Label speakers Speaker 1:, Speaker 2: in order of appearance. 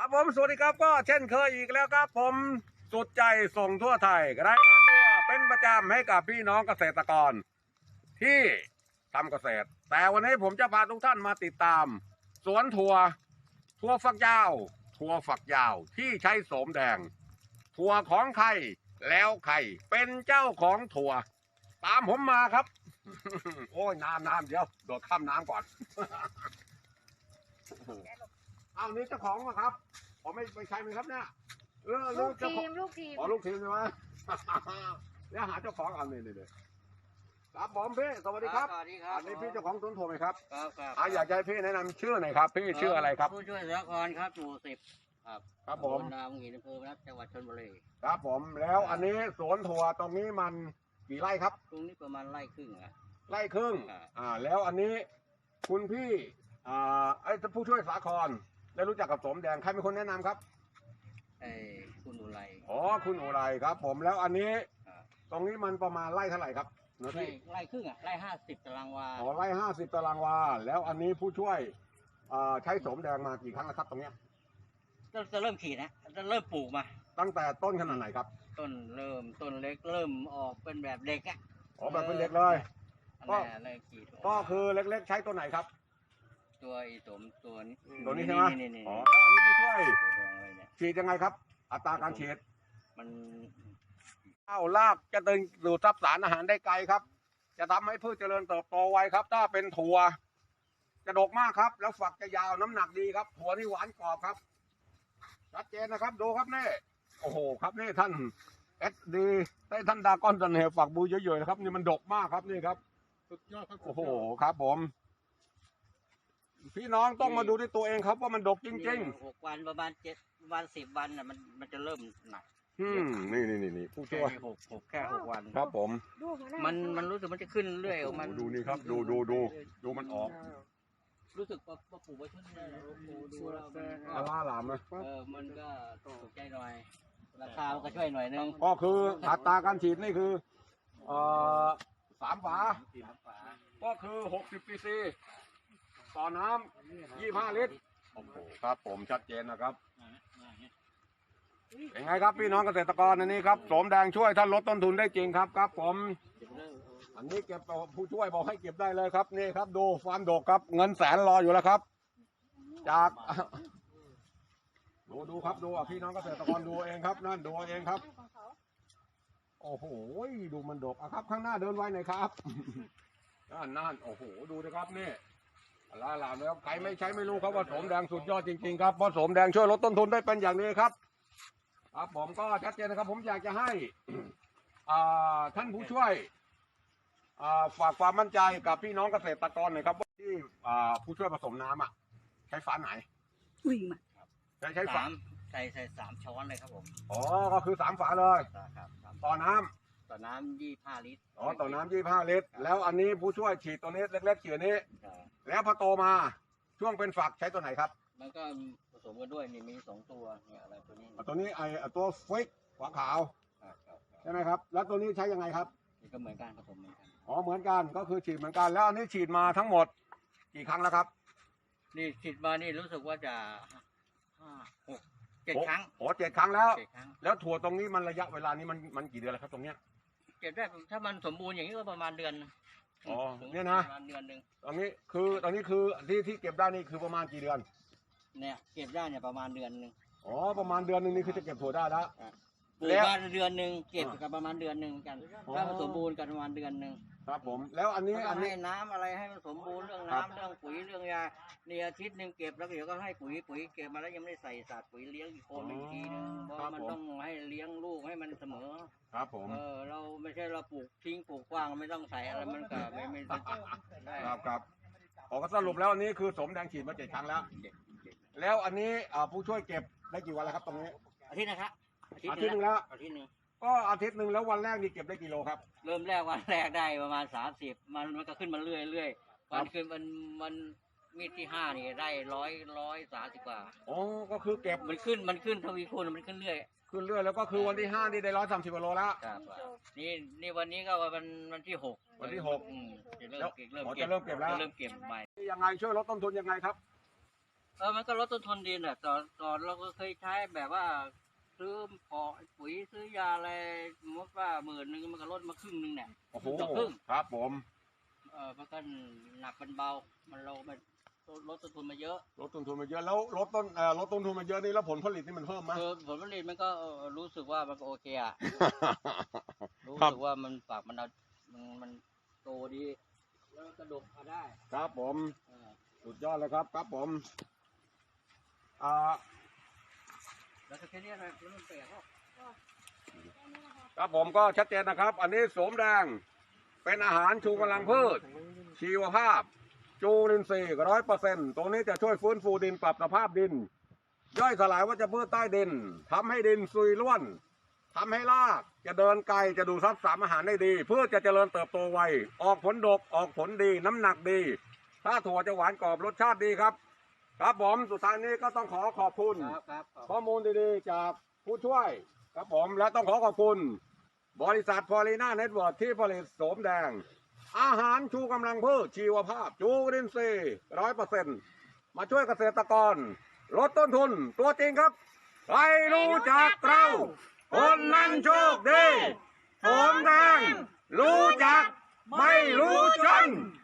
Speaker 1: ผมสวัสดีครับก็เช่นเคยอีกแล้วครับผมสุดใจส่งทั่วไทยรายงานตัวเป็นประจำให้กับพี่น้องเกษตรกรที่ทำเกษตรแต่วันนี้ผมจะพาทุกท่านมาติดตามสวนถั่วฝักยาวที่ใช้โสมแดงถั่วของใครแล้วใครเป็นเจ้าของถั่วตามผมมาครับ โอ้ยน้ำเดี๋ยวโดดข้ามน้ำก่อน เอานี่เจ้าของมาครับผมไม่ใช่ไหมครับเนี่ย
Speaker 2: ลูกทีม
Speaker 1: อ๋อลูกทีมใช่ไหม แล้วหาเจ้าของเอาเลยครับผมพี่สวัสดีครับ
Speaker 3: สวัสดีครับ
Speaker 1: อันนี้พี่เจ้าของสวนถั่วไหมครับ
Speaker 3: ครับ
Speaker 1: อยากให้พี่แนะนำชื่อหน่อยครับพี่ชื่ออะไรครับ
Speaker 3: ผู้ช่วยสาครครับหมู่10ครับ
Speaker 1: ครับผม
Speaker 3: ตำบลนาหินอำเภอพนัสจังหวัดชลบุรี
Speaker 1: ครับผมแล้วอันนี้สวนถั่วตรงนี้มันกี่ไร่ครับ
Speaker 3: ตรงนี้ประมาณไร่ครึ่งอะ
Speaker 1: ไร่ครึ่ง
Speaker 3: ครับ
Speaker 1: แล้วอันนี้คุณพี่ไอ้ผู้ช่วยสาครได้รู้จักกับโสมแดงใครเป็นคนแนะนำครับ
Speaker 3: ไอ้คุณอุไร
Speaker 1: อ๋อคุณอุไรครับ ผมแล้วอันนี้
Speaker 3: ครับ
Speaker 1: ตรงนี้มันประมาณไร่เท่าไหร่ครับเนื้อ
Speaker 3: ไร่
Speaker 1: ที่
Speaker 3: ไร่ครึ่งอะไร่50 ตารางวา
Speaker 1: อ๋อไร่50 ตารางวาแล้วอันนี้ผู้ช่วยใช้โสมแดงมากี่ครั้งแล้วครับตรงเนี้ย
Speaker 3: จะเริ่มขีดนะจะเริ่มปลูกมา
Speaker 1: ตั้งแต่ต้นขนาดไหนครับ
Speaker 3: ต้นเล็กเริ่มออกเป็นแบบเด็กอะ
Speaker 1: อ๋อแบบเป็นเด็กเลย
Speaker 3: อันนี้เริ่มขีด
Speaker 1: ก็คือเล็กๆใช้ตัวไหนครับ
Speaker 3: ตัวไอ้สมตัวนี้
Speaker 1: ตัวนี้ใช่ไหม
Speaker 3: นี่
Speaker 1: อ๋อแล้วอันนี้ผู้ช่วย
Speaker 3: ตัวแดงเลยเนี่ย
Speaker 1: ฉีดยังไงครับ อัตราการฉีด
Speaker 3: มัน
Speaker 1: ข้าวรากจะดึงดูดซับสารอาหารได้ไกลครับ จะทำให้พืชเจริญเติบโตไวครับ ถ้าเป็นถั่วจะดกมากครับ แล้วฝักจะยาวน้ำหนักดีครับถั่วที่หวานกรอบครับชัดเจนนะครับดูครับนี่โอ้โหครับนี่ท่านเอสดีได้ท่านดากอนตันเหฝักบูเยอะๆนะครับนี่มันดกมากครับนี่ครับ
Speaker 4: สุดยอดครับ
Speaker 1: โอ้โหครับผม พี่น้องต้องมาดูด้วยตัวเองครับว่ามันดกจริง
Speaker 3: 6 วันประมาณ10 วันน่ะมันจะเริ่มหนัก
Speaker 1: ๆนี่ผู้ช่วย
Speaker 3: แค่6 วัน
Speaker 1: ครับผม
Speaker 3: มันรู้สึกมันจะขึ้นเรื่อยของมัน
Speaker 1: ดูนี่ครับดูมันออก
Speaker 3: รู้สึกว่าปลูกไว้ช่วงนี้ดูแล้วมัน
Speaker 1: อาล่าหลามนะ
Speaker 3: มันก็ตกใจหน่อย ราคามันก็ช่วยหน่อยนึง
Speaker 1: ก็คืออัตราการฉีดนี่คือ3 ฝา ก็คือ60 cc ต่อน้ำ25 ลิตรโอ้โหครับผมชัดเจนนะครับเป็นไงครับพี่น้องเกษตรกรอันนี้ครับโสมแดงช่วยท่านลดต้นทุนได้จริงครับผม อันนี้เก็บผู้ช่วยบอกให้เก็บได้เลยครับนี่ครับดูความดกครับเงินแสนรออยู่แล้วครับ จาก ดูครับดูพี่น้องเกษตรกรดูเองครับนั่นดูเองครับ โอ้โหดูมันดกอะครับข้างหน้าเดินไว้หน่อยครับ นั่นโอ้โหดูนะครับนี่ลาลามแล้วใครไม่ใช้ไม่รู้ครับว่าโสมแดงสุดยอดจริงๆครับเพราะโสมแดงช่วยลดต้นทุนได้เป็นอย่างนี้ครับครับผมก็ชัดเจนนะครับ ผมอยากจะให้ ท่านผู้ช่วยฝากความมั่นใจกับพี่น้องเกษตรกรหน่อยครับว่าที่ผู้ช่วยผสมน้ำใช้ฝาไหน
Speaker 2: อุ้ยมา
Speaker 1: ใช้ฝา
Speaker 3: ใส่3 ช้อนเลยครับผม
Speaker 1: อ๋อก็คือ3 ฝาเลย
Speaker 3: ครับ
Speaker 1: ต่อน้ำ
Speaker 3: ต่อน้ำ25 ลิตร
Speaker 1: อ๋อต่อน้ำ25 ลิตรแล้วอันนี้ผู้ช่วยฉีดตัวนี้เล็กๆฉีดนี้ แล้วพอโตมาช่วงเป็นฝักใช้ตัวไหนครับ
Speaker 3: มันก็ผสมกันด้วยนี่มี2 ตัวเนี่ยอะไรตัวนี้
Speaker 1: ตัวนี้ตัวฟิกหัวขาวใช่ไหมครับ แล้วตัวนี้ใช้ยังไงครับ
Speaker 3: นี่ก็เหมือนกันผสมเหมือนกัน
Speaker 1: อ๋อเหมือนกันก็คือฉีดเหมือนกันแล้วอันนี้ฉีดมาทั้งหมดกี่ครั้งแล้วครับ
Speaker 3: นี่ฉีดมานี่รู้สึกว่าจะ5 6 7 ครั้ง
Speaker 1: โอ้7 ครั้งแล้ว
Speaker 3: 7 ครั้ง
Speaker 1: แล้วถั่วตรงนี้มันระยะเวลานี้มันกี่เดือนแล้วครับตรงเนี้ย
Speaker 3: เก็บได้ถ้ามันสมบูรณ์อย่างนี้ก็ประมาณเดือน
Speaker 1: อ๋อเนี่ยนะ
Speaker 3: ประมาณเดือนหนึ่ง
Speaker 1: ตรงนี้คือที่เก็บได้นี่คือประมาณกี่เดือน
Speaker 3: เนี่ยเก็บได้เนี่ยประมาณเดือนหนึ่ง
Speaker 1: อ๋อประมาณเดือนหนึงนี่คือจะเก็บถั่วได้แล้ว
Speaker 3: ปลูก
Speaker 1: แล้ว
Speaker 3: มาเดือนหนึ่งเก็บกับประมาณเดือนหนึ่งกัน
Speaker 1: อ๋อ
Speaker 3: ถ้ามันสมบูรณ์กันประมาณเดือนหนึ่ง
Speaker 1: ครับผมแล้วอันนี้
Speaker 3: แล้วก็ให้น้ำอะไรให้มันสมบูรณ์เรื่องน้ำเรื่องปุ๋ยเรื่องยาในอาทิตย์หนึ่งเก็บแล้วเดี๋ยวก็ให้ปุ๋ยเก็บมาแล้วยังไม่ได้ใส่สารปุ๋ยเลี้ยงอีกคนหนึ่งอีกทีนึงเพราะมันต้องให้เลี้ยงลูกให้มันเสมอ
Speaker 1: ครับผม
Speaker 3: เราไม่ใช่เราปลูกทิ้งปลูกกว้างไม่ต้องใส่อะไรมันก็ไม่ได้
Speaker 1: ครับขอสรุปแล้วอันนี้คือสมแดงฉีดมา7 ครั้งแล้ว แล้วอันนี้ผู้ช่วยเก็บได้กี่วันแล้วครับตรงนี้
Speaker 3: อาทิตย์นะครับ
Speaker 1: อาทิตย์หนึ่งแล้ว
Speaker 3: อาทิตย์หนึ่ง
Speaker 1: ก็อาทิตย์หนึ่งแล้ววันแรกนี่เก็บได้กี่โลครับ
Speaker 3: เริ่มแรกวันแรกได้ประมาณ30มันก็ขึ้นมาเรื่อยวันขึ้นมันมีดที่5นี่ได้130 กว่า
Speaker 1: อ๋อก็คือเก็บ
Speaker 3: มันขึ้นทวีคูณมันขึ้นเรื่อย
Speaker 1: ขึ้นเรื่อยแล้วก็คือวันที่5นี่ได้130 กิโลแล้ว
Speaker 3: ครับนี่วันนี้ก็วันที่6
Speaker 1: วันที่6
Speaker 3: จะเริ่มเก็บ
Speaker 1: จะเริ่มเก็บแล้ว
Speaker 3: จะเริ่มเก็บใหม่
Speaker 1: ยังไงช่วยลดต้นทุนยังไงครับ
Speaker 3: มันก็ลดต้นทุนดินอ่ะก่อนเราก็เคยใช้แบบว่า ซื้อพอปุ๋ยซื้อยาอะไรสมมติว่า10,000มันก็ลดมาครึ่งนึงเนี่ย
Speaker 1: โอ้โห
Speaker 3: ต่อครึ่ง
Speaker 1: ครับผม
Speaker 3: มันก็หนักเป็นเบามันเราไปลดต้นทุนมาเยอะ
Speaker 1: ลดต้นทุนมาเยอะแล้วลดต้นทุนมาเยอะนี่แล้วผลผลิตนี่มันเพิ่มไหม
Speaker 3: คือผลผลิตมันก็รู้สึกว่ามันก็โอเคอ่ะ รู้
Speaker 1: ครับ
Speaker 3: สึกว่ามันฝากมันโตดีแล้วกระดกมาได้
Speaker 1: ครับผม
Speaker 3: เออ
Speaker 1: สุดยอดเลยครับครับผม
Speaker 3: แล้วก็แค่นี้นะแล้วมันแปลกก็
Speaker 1: ครับผมก็ชัดเจนนะครับ อันนี้โสมแดงเป็นอาหารชูกำลังพืช ชีวภาพ จูลินทรีย์100%ตรงนี้จะช่วยฟื้นฟูดินปรับสภาพดิน ย่อยสลายวัชพืชใต้ดินทำให้ดินซุยร่วนทำให้รากจะเดินไกลจะดูดซับสารอาหารได้ดีพืชจะเจริญเติบโตไวออกผลดกออกผลดีน้ำหนักดี ถ้าถั่วจะหวานกรอบรสชาติดีครับ ครับผมสุดท้ายนี้ก็ต้องขอบคุณ
Speaker 3: ครับ
Speaker 1: ข้อมูลดีๆจากผู้ช่วยครับผมและต้องขอบคุณ บริษัทพอลีน่าเน็ตเวิร์กที่ผลิตโสมแดง อาหารชูกำลังพืชชีวภาพ จูรินทรีย์100%มาช่วยเกษตรกรลดต้นทุนตัวจริงครับใครรู้จักเราคนนั้นโชคดีโสมแดงรู้จักไม่รู้จน